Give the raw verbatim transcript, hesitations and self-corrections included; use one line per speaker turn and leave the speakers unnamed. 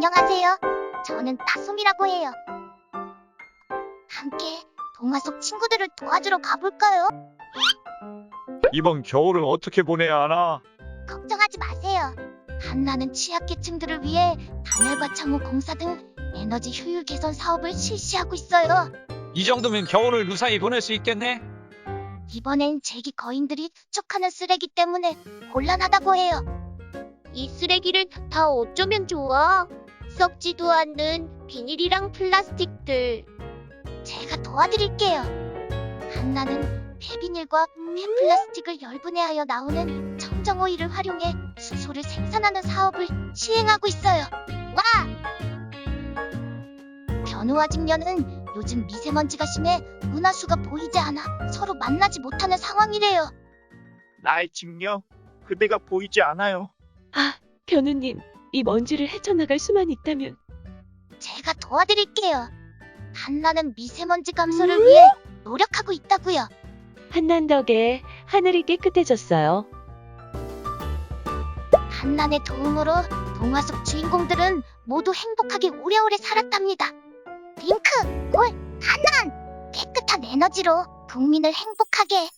안녕하세요. 저는 따솜이라고 해요. 함께 동화 속 친구들을 도와주러 가볼까요?
이번 겨울을 어떻게 보내야 하나?
걱정하지 마세요. 한나는 취약계층들을 위해 단열과 창호 공사 등 에너지 효율 개선 사업을 실시하고 있어요.
이 정도면 겨울을 무사히 보낼 수 있겠네?
이번엔 제기 거인들이 투척하는 쓰레기 때문에 곤란하다고 해요. 이 쓰레기를 다 어쩌면 좋아? 썩지도 않는 비닐이랑 플라스틱들. 제가 도와드릴게요. 한나는 폐비닐과 폐플라스틱을 열분해하여 나오는 청정오일을 활용해 수소를 생산하는 사업을 시행하고 있어요. 와! 변우와 직녀는 요즘 미세먼지가 심해 은하수가 보이지 않아 서로 만나지 못하는 상황이래요.
나의 직녀, 그대가 보이지 않아요.
아, 변우님, 이 먼지를 헤쳐나갈 수만 있다면.
제가 도와드릴게요. 한나는 미세먼지 감소를 위해 노력하고 있다고요.
한난 덕에 하늘이 깨끗해졌어요.
한난의 도움으로 동화 속 주인공들은 모두 행복하게 오래오래 살았답니다. 링크, 올, 한난! 깨끗한 에너지로 국민을 행복하게